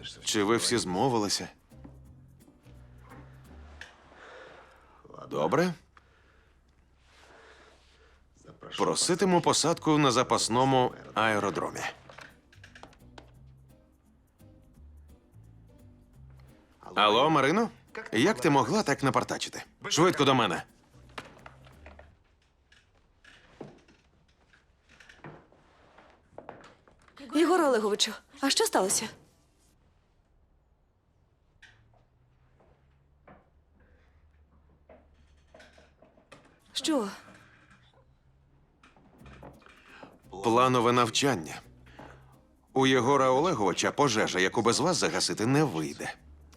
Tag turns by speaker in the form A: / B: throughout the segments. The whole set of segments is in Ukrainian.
A: Чи ви всі змовилися? Добре. Проситиму посадку на запасному аеродромі. Алло, Марино? Як ти могла так напартачити? Швидко до мене.
B: Єгор Олеговичу, а що сталося? Що?
A: Планове навчання. У Єгора Олеговича пожежа, яку без вас загасити не вийде.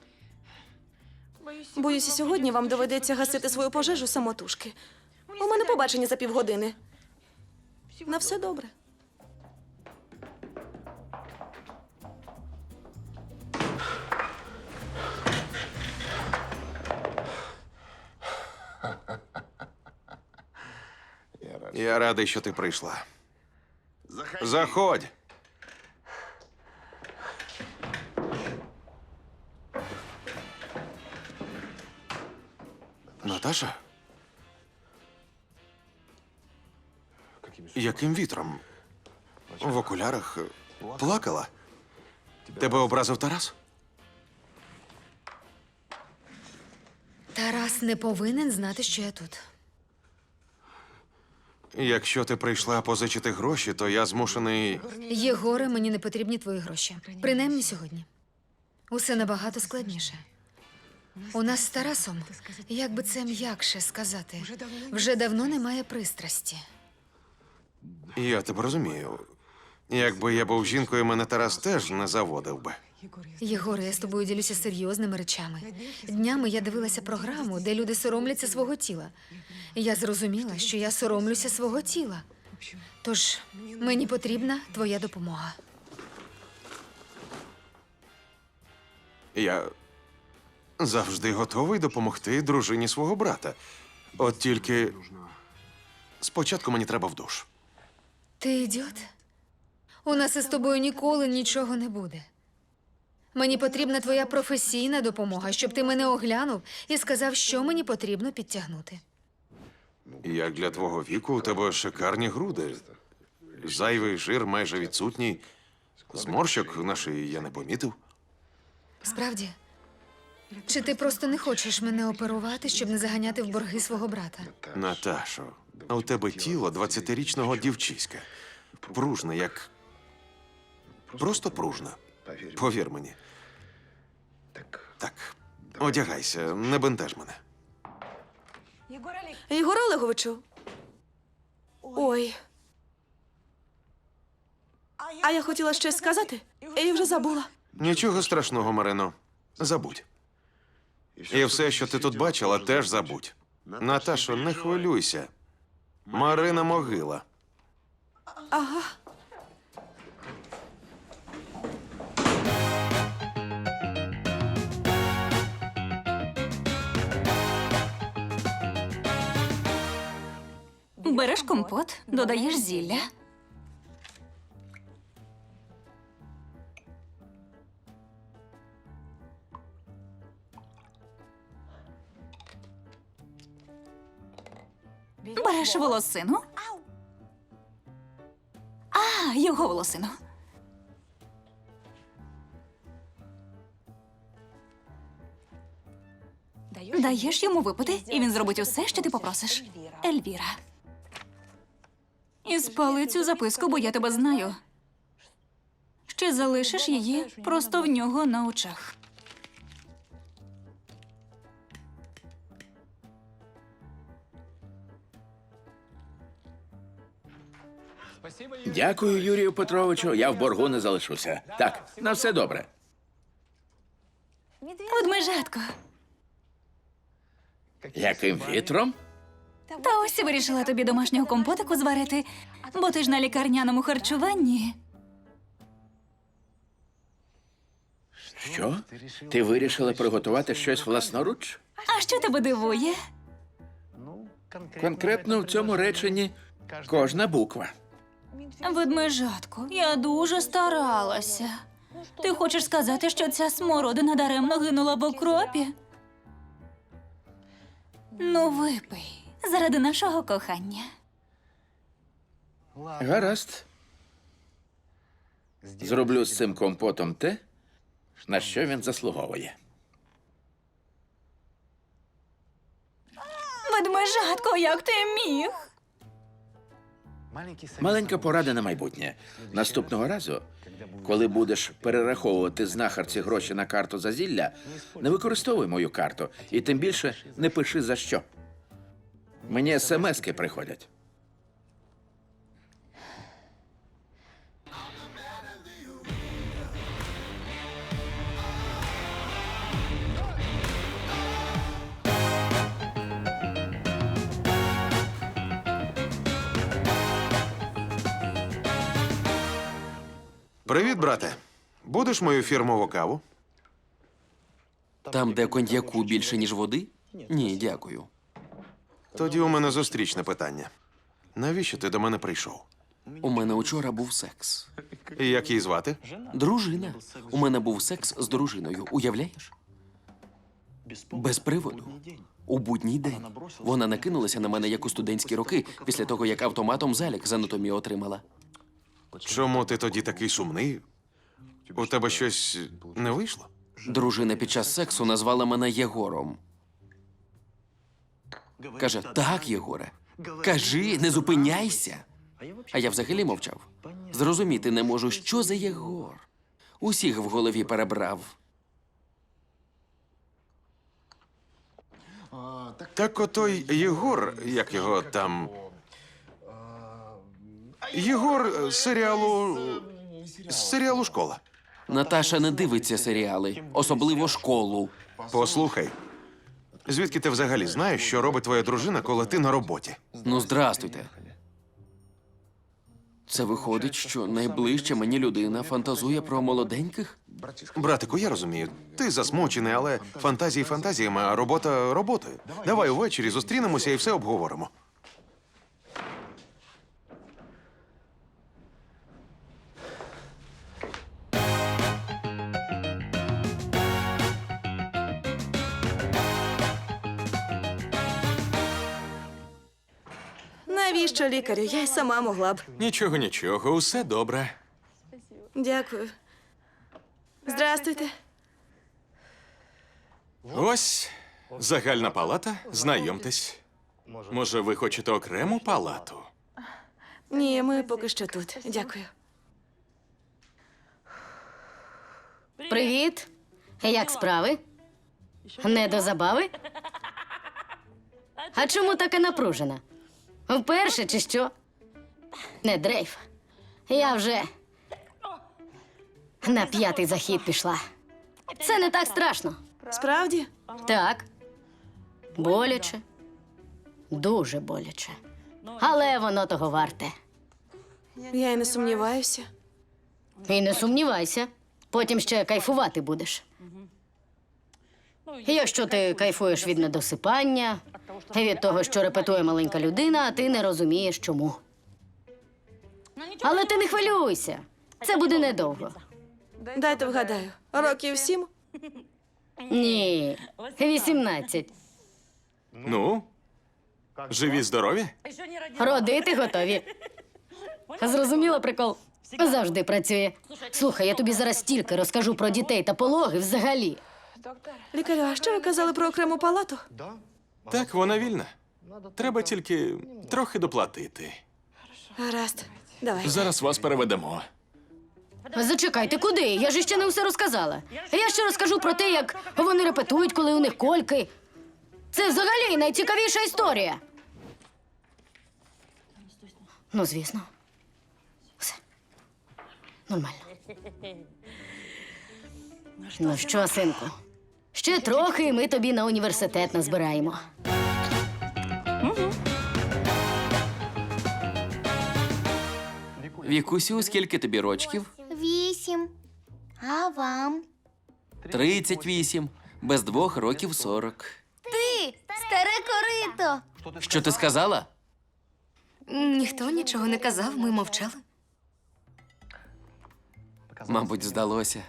B: Боюся, сьогодні вам доведеться гасити свою пожежу самотужки. У мене побачення за півгодини. На все добре.
A: Я радий, що ти прийшла. Заходь. Наташа? Яким вітром? В окулярах плакала? Тебе образив Тарас?
C: Тарас не повинен знати, що я тут.
A: Якщо ти прийшла позичити гроші, то я змушений.
C: Єгоре, мені не потрібні твої гроші. Принаймні сьогодні. Усе набагато складніше. У нас з Тарасом, як би це м'якше сказати, вже давно немає пристрасті.
A: Я тебе розумію. Якби я був жінкою, мене Тарас теж не заводив би.
C: Єгоре, я з тобою ділюся серйозними речами. Днями я дивилася програму, де люди соромляться свого тіла. І я зрозуміла, що я соромлюся свого тіла. Тож мені потрібна твоя допомога.
A: Я завжди готовий допомогти дружині свого брата. От тільки спочатку мені треба в душ.
C: Ти ідіот? У нас із тобою ніколи нічого не буде. Мені потрібна твоя професійна допомога, щоб ти мене оглянув і сказав, що мені потрібно підтягнути.
A: Як для твого віку, у тебе шикарні груди. Зайвий жир майже відсутній. Зморщок на шиї я не помітив.
C: Справді? Чи ти просто не хочеш мене оперувати, щоб не заганяти в борги свого брата?
A: Наташо, у тебе тіло 20-річного дівчиська. Пружне, як... Просто пружне. Повір мені. Так, одягайся, не бентеж мене.
B: Єгор Олеговичу. Ой. А я хотіла щось сказати, і вже забула.
A: Нічого страшного, Марино. Забудь. І все, що ти тут бачила, теж забудь. Наташо, не хвилюйся. Марина могила.
B: Ага.
D: Береш компот, додаєш зілля. Береш волосину. А, його волосину. Даєш йому випити, і він зробить усе, що ти попросиш. Ельвіра. І спали цю записку, бо я тебе знаю. Ще залишиш її просто в нього на очах.
E: Дякую, Юрію Петровичу. Я в боргу не залишуся. Так, на все добре.
D: Ведмежатко.
E: Яким вітром?
D: Та ось і вирішила тобі домашнього компотику зварити, бо ти ж на лікарняному харчуванні.
E: Що? Ти вирішила приготувати щось власноруч?
D: А що тебе дивує?
E: Конкретно в цьому реченні кожна буква.
D: Ведмежатко, я дуже старалася. Ти хочеш сказати, що ця смородина даремно гинула в окропі? Ну, випий. Заради нашого кохання.
E: Гаразд. Зроблю з цим компотом те, на що він заслуговує.
D: Ведмежатко, як ти міг?
E: Маленька порада на майбутнє. Наступного разу, коли будеш перераховувати знахарці гроші на карту за зілля, не використовуй мою карту і тим більше не пиши за що. Мені смски приходять.
A: Привіт, брате. Будеш мою фірмову каву?
F: Там, де коньяку більше, ніж води? Ні, дякую.
A: Тоді у мене зустрічне питання. Навіщо ти до мене прийшов?
F: У мене учора був секс.
A: І як її звати?
F: Дружина. У мене був секс з дружиною. Уявляєш? Без приводу. У будній день. Вона накинулася на мене, як у студентські роки, після того, як автоматом залік з анатомії отримала.
A: Чому ти тоді такий сумний? У тебе щось не вийшло?
F: Дружина під час сексу назвала мене Єгором. Каже: так, Єгоре, кажи, не зупиняйся. А я взагалі мовчав. Зрозуміти не можу, що за Єгор. Усіх в голові перебрав.
A: Так отой Єгор, як його там. Єгор з серіалу Школа.
F: Наташа не дивиться серіали, особливо школу.
A: Послухай. Звідки ти взагалі знаєш, що робить твоя дружина, коли ти на роботі?
F: Ну, здрастуйте. Це виходить, що найближча мені людина фантазує про молоденьких?
A: Братику, я розумію, ти засмучений, але фантазії фантазіями, а робота роботою. Давай увечері зустрінемося і все обговоримо.
B: Навіщо лікарю? Я й сама могла б.
G: Нічого, нічого, усе добре.
B: Дякую. Здрастуйте.
G: Ось загальна палата. Знайомтесь. Може, ви хочете окрему палату?
B: Ні, ми поки що тут. Дякую.
H: Привіт. Як справи? Не до забави? А чому така напружена? Вперше чи що? Не дрейф. Я вже на 5-й захід пішла. Це не так страшно.
B: Справді?
H: Так. Боляче. Дуже боляче. Але воно того варте.
B: Я й не сумніваюся.
H: І не сумнівайся. Потім ще кайфувати будеш. Якщо ти кайфуєш від недосипання, від того, що репетує маленька людина, а ти не розумієш, чому. Але ти не хвилюйся. Це буде недовго.
B: Дайте вгадаю. Років 7?
H: Ні, 18.
G: Ну, живі, здорові?
H: Родити готові. Зрозуміла прикол? Завжди працює. Слухай, я тобі зараз стільки розкажу про дітей та пологи взагалі.
B: Лікарю, а що ви казали про окрему палату?
G: Так, вона вільна. Треба тільки трохи доплатити.
B: Гаразд. Давай.
G: Зараз вас переведемо.
H: Зачекай, ти куди? Я ж ще не все розказала. Я ще розкажу про те, як вони репетують, коли у них кольки. Це взагалі найцікавіша історія. Ну, звісно. Все. Нормально. Ну що, синку? Ще трохи, і ми тобі на університет назбираємо.
F: Вікусю, скільки тобі рочків?
I: 8. А вам?
F: 38. Без 2 років 40.
I: Ти, старе корито.
F: Що ти сказала?
C: Ніхто нічого не казав, ми мовчали.
F: Мабуть, здалося.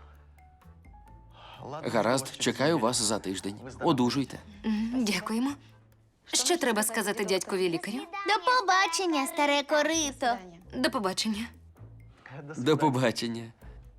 F: Гаразд, чекаю вас за тиждень. Одужуйте.
C: Дякуємо. Що треба сказати дядькові лікарю?
I: До побачення, старе корито.
C: До побачення.
F: До побачення.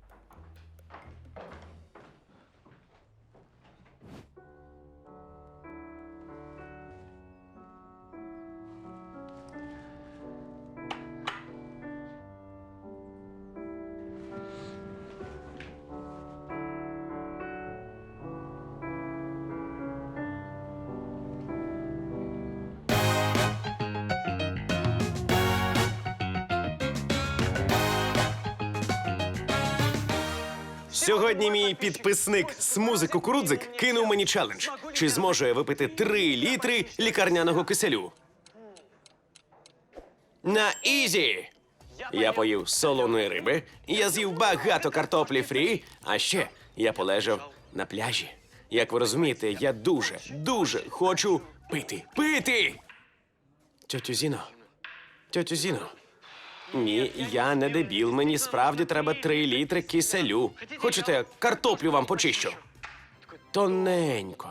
J: Сьогодні мій підписник Смузи Кукурудзик кинув мені челендж. Чи зможу я випити 3 літри лікарняного киселю? На ізі! Я поїв солоної риби, я з'їв багато картоплі фрі, а ще я полежав на пляжі. Як ви розумієте, я дуже хочу пити. Пити! Тьотю Зіно. Ні, я не дебіл, мені справді треба 3 літри киселю. Хочете, картоплю вам почищу? Тоненько.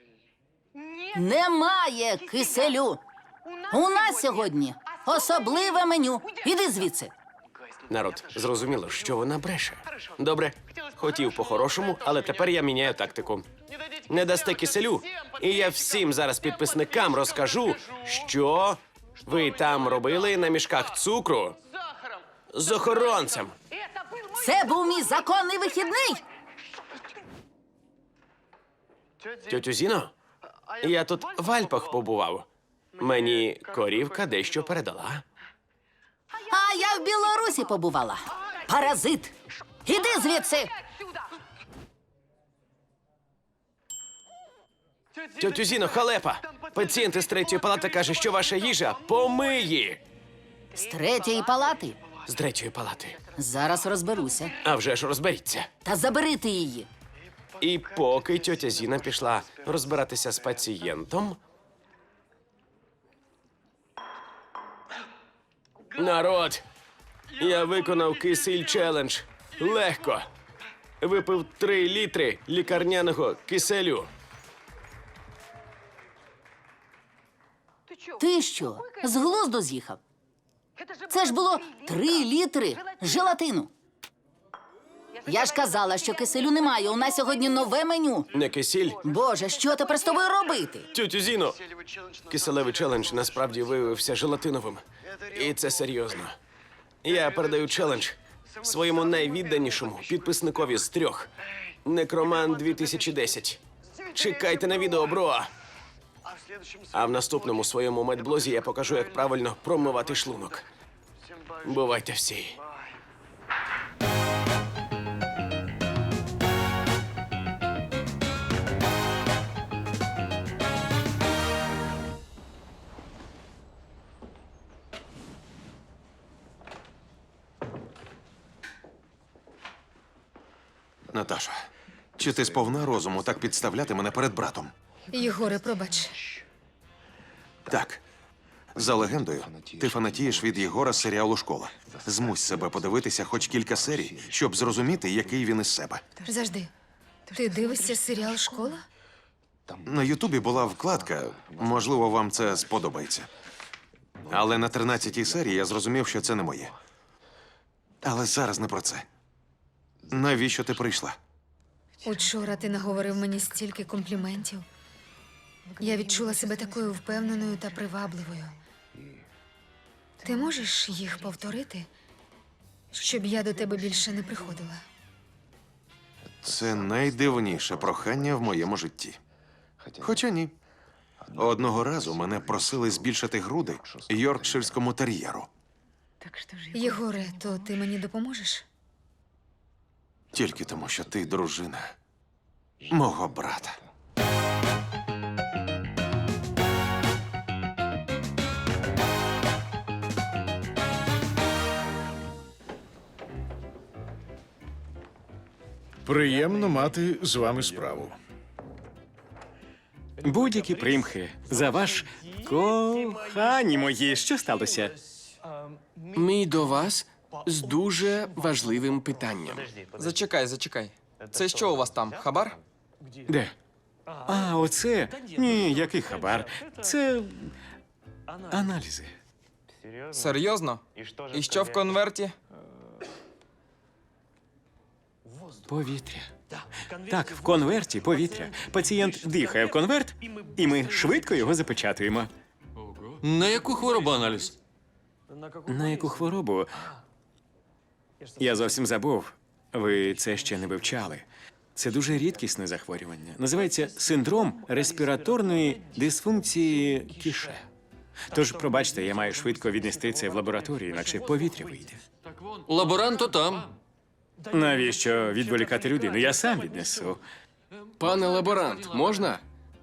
K: Немає киселю. У нас сьогодні особливе меню. Іди звідси.
J: Народ, зрозуміло, що вона бреше. Добре, хотів по-хорошому, але тепер я міняю тактику. Не дасте киселю, і я всім зараз підписникам розкажу, що ви там робили на мішках цукру з охоронцем.
K: Це був мій законний вихідний.
J: Тьотю Зіно, я тут в Альпах побував. Мені корівка дещо передала.
K: А я в Білорусі побувала. Паразит. Іди звідси.
J: Тьотю Зіно, халепа! Пацієнт із 3-ї палати каже, що ваша їжа помиї.
K: З 3-ї палати.
J: З 3-ї палати.
K: Зараз розберуся.
J: А вже ж розберіться.
K: Та забери ти її.
J: І поки тьотя Зіна пішла розбиратися з пацієнтом. Народ! Я виконав кисель челендж. Легко. Випив 3 літри лікарняного киселю.
K: Ти що, з глузду з'їхав? Це ж було 3 літри желатину. Я ж казала, що киселю немає. У нас сьогодні нове меню.
J: Не кисіль.
K: Боже, що тепер з тобою робити?
J: Тьотю Зіно! Киселевий челендж насправді виявився желатиновим. І це серйозно. Я передаю челендж своєму найвідданішому підписникові з 3. Некроман 2010. Чекайте на відео, бро! А в наступному своєму медблозі я покажу, як правильно промивати шлунок. Бувайте всі.
A: Наташа, чи ти сповна розуму так підставляти мене перед братом?
C: Єгоре, пробач.
A: Так. За легендою, ти фанатієш від Єгора з серіалу «Школа». Змусь себе подивитися хоч кілька серій, щоб зрозуміти, який він із себе.
C: Завжди. Ти дивишся серіал «Школа»?
A: На Ютубі була вкладка, можливо, вам це сподобається. Але на 13-й серії я зрозумів, що це не моє. Але зараз не про це. Навіщо ти прийшла?
C: Учора ти наговорив мені стільки компліментів. Я відчула себе такою впевненою та привабливою. Ти можеш їх повторити, щоб я до тебе більше не приходила?
A: Це найдивніше прохання в моєму житті. Хоча ні. Одного разу мене просили збільшити груди йоркширському тер'єру.
C: Єгоре, то ти мені допоможеш?
A: Тільки тому, що ти дружина мого брата.
L: Приємно мати з вами справу.
G: Будь-які примхи за ваш кохані мої. Що сталося?
F: Мій до вас З дуже важливим питанням.
M: Зачекай. Це що у вас там? Хабар?
L: Де? А, оце? Ні, який хабар. Це аналізи.
M: Серйозно? І що в конверті?
L: Повітря. Так, в конверті повітря. Пацієнт дихає в конверт, і ми швидко його запечатуємо.
F: На яку хворобу аналіз?
L: На яку хворобу? Я зовсім забув. Ви це ще не вивчали. Це дуже рідкісне захворювання. Називається синдром респіраторної дисфункції кіше. Тож, пробачте, я маю швидко віднести це в лабораторію, інакше повітря вийде.
F: Лаборант там.
L: Навіщо відволікати людину? Я сам віднесу.
F: Пане лаборант, можна?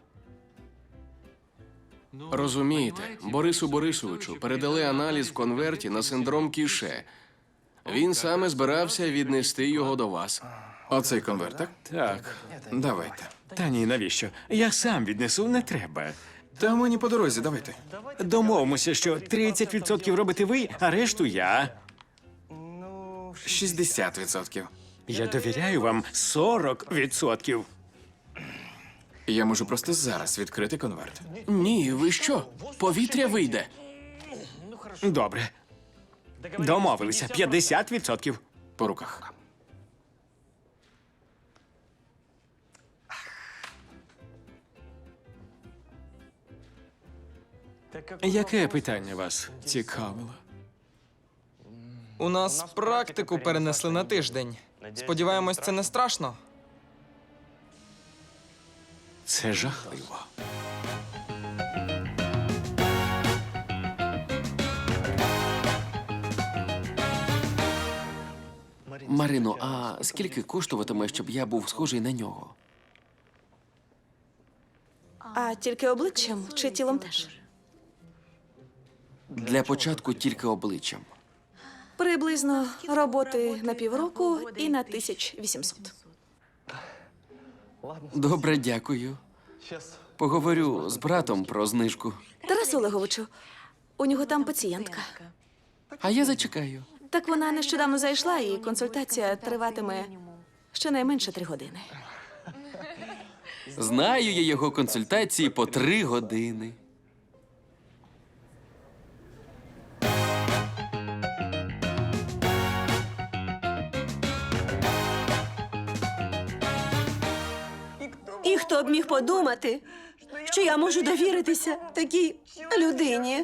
F: Розумієте, Борису Борисовичу передали аналіз в конверті на синдром кіше. Він саме збирався віднести його до вас. Оцей конверт, так?
L: Так.
F: Давайте.
L: Та ні, навіщо? Я сам віднесу, не треба.
F: Та мені по дорозі, давайте.
L: Домовимося, що 30% робите ви, а решту я.
F: 60%.
L: Я довіряю вам 40%.
F: Я можу просто зараз відкрити конверт. Ні, ви що? Повітря вийде.
L: Добре. Домовилися. 50%.
F: По руках.
L: Яке питання вас цікавило?
M: У нас практику перенесли на тиждень. Сподіваємось, це не страшно.
L: Це жахливо.
F: Марино, а скільки коштуватиме, щоб я був схожий на нього?
B: А тільки обличчям чи тілом теж?
F: Для початку тільки обличчям.
B: Приблизно роботи на півроку і на 1800.
F: Добре, дякую. Поговорю з братом про знижку.
B: Тарас Олеговичу, у нього там пацієнтка.
F: А я зачекаю.
B: Так вона нещодавно зайшла, і консультація триватиме щонайменше 3 години.
F: Знаю я його консультації по 3 години.
B: І хто б міг подумати, що я можу довіритися такій людині?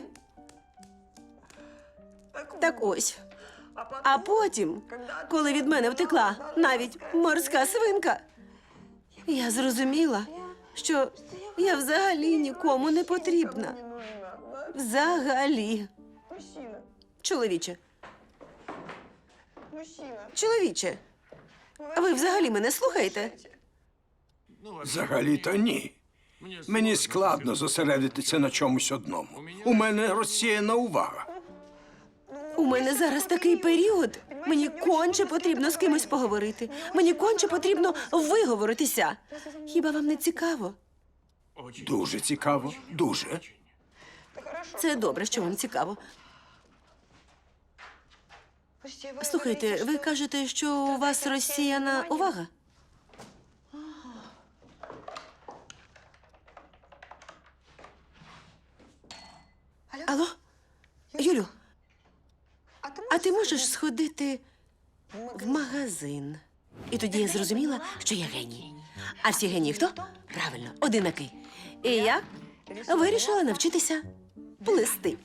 B: Так ось. А потім, коли від мене втекла навіть морська свинка, я зрозуміла, що я взагалі нікому не потрібна. Взагалі. Чоловіче. Чоловіче, ви взагалі мене слухаєте?
N: Взагалі-то ні. Мені складно зосередитися на чомусь одному. У мене розсіяна увага.
B: У мене зараз такий період. Мені конче потрібно з кимось поговорити. Мені конче потрібно виговоритися. Хіба вам не цікаво?
N: Дуже цікаво, дуже.
B: Це добре, що вам цікаво. Слухайте, ви кажете, що у вас розсіяна увага? Алло? Юлю, а ти можеш сходити в магазин? І тоді я зрозуміла, що я геній. А всі генії хто? Правильно, одинаки. І я вирішила навчитися плести.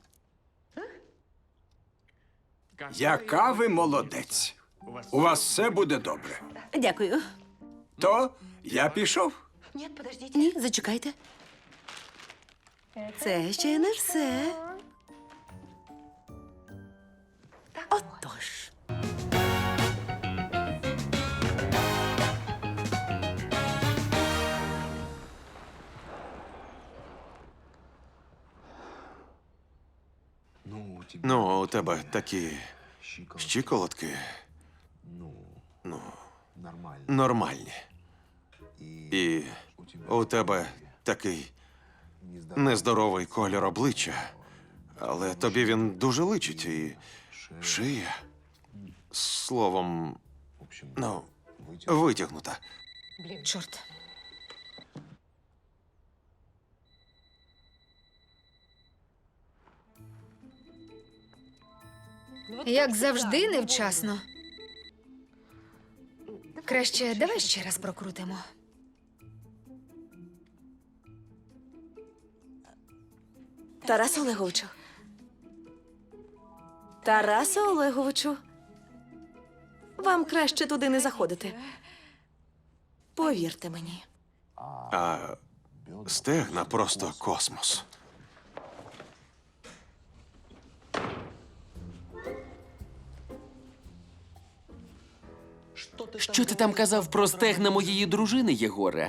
N: Яка ви молодець. У вас все буде добре.
B: Дякую.
N: То я пішов.
B: Ні, зачекайте. Це ще не все. Отож.
A: Ну, у тебе такі щиколотки. Ну, нормальні. І у тебе такий нездоровий колір обличчя. Але тобі він дуже личить і шия. Словом, ну, витягнута.
C: Чорт. Як завжди, невчасно. Краще давай ще раз прокрутимо.
B: Тарасе Олеговичу. Тарасе Олеговичу. Вам краще туди не заходити. Повірте мені.
A: А стегна просто космос.
F: Що ти там казав про стегна моєї дружини, Єгоре?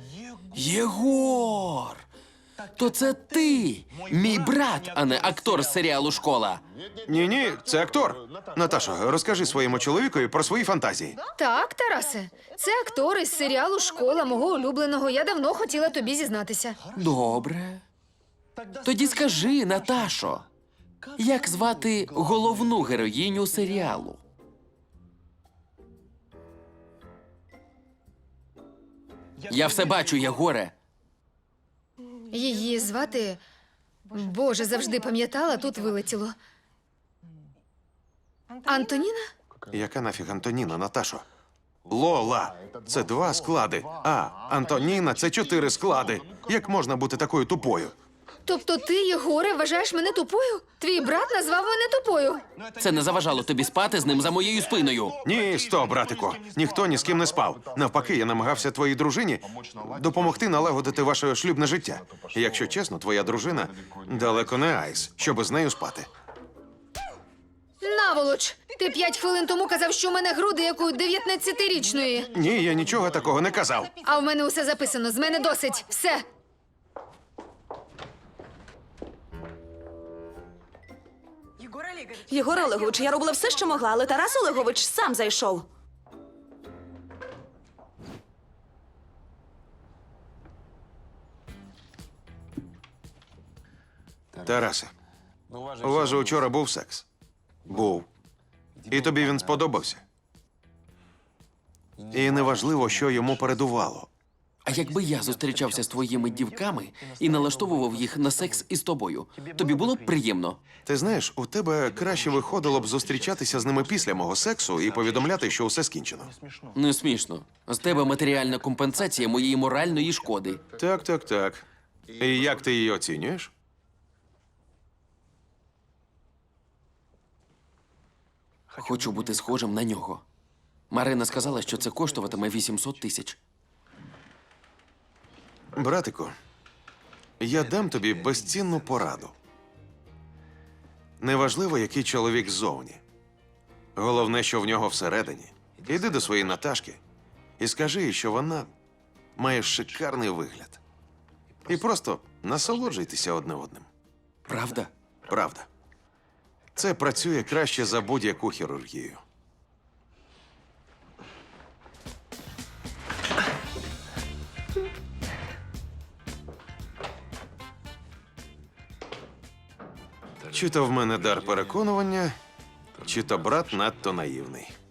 F: Єгор! То це ти, мій брат, а не актор з серіалу «Школа».
A: Ні, це актор. Наташо, розкажи своєму чоловікові про свої фантазії.
C: Так, Тарасе, це актор із серіалу «Школа» мого улюбленого. Я давно хотіла тобі зізнатися.
F: Добре. Тоді скажи, Наташо, як звати головну героїню серіалу? Я все бачу, Єгоре.
C: Її звати... Боже, завжди пам'ятала, тут вилетіло. Антоніна?
A: Яка нафіг Антоніна, Наташо? Лола – це 2 склади, а Антоніна – це 4 склади. Як можна бути такою тупою?
C: Тобто ти, Єгоре, вважаєш мене тупою? Твій брат назвав мене тупою.
F: Це не заважало тобі спати з ним за моєю спиною.
A: Ні, стоп, братику. Ніхто ні з ким не спав. Навпаки, я намагався твоїй дружині допомогти налагодити ваше шлюбне життя. І якщо чесно, твоя дружина далеко не айс, щоб з нею спати.
C: Наволоч! Ти 5 хвилин тому казав, що у мене груди, як у 19-річної.
A: Ні, я нічого такого не казав.
C: А в мене усе записано. З мене досить. Все.
B: Єгор Олегович, я робила все, що могла, але Тарас Олегович сам зайшов.
A: Тарасе, у вас же вчора був секс? Був. І тобі він сподобався? І неважливо, що йому передувало.
F: А якби я зустрічався з твоїми дівками і налаштовував їх на секс із тобою, тобі було б приємно?
A: Ти знаєш, у тебе краще виходило б зустрічатися з ними після мого сексу і повідомляти, що усе скінчено.
F: Не смішно. З тебе матеріальна компенсація моєї моральної шкоди.
A: Так. І як ти її оцінюєш?
F: Хочу бути схожим на нього. Марина сказала, що це коштуватиме 800 тисяч.
A: Братику, я дам тобі безцінну пораду. Неважливо, який чоловік ззовні. Головне, що в нього всередині. Іди до своєї Наташки і скажи їй, що вона має шикарний вигляд. І просто насолоджуйтеся одне одним.
F: Правда?
A: Правда. Це працює краще за будь-яку хірургію. Чи то в мене дар переконування, чи то брат надто наївний.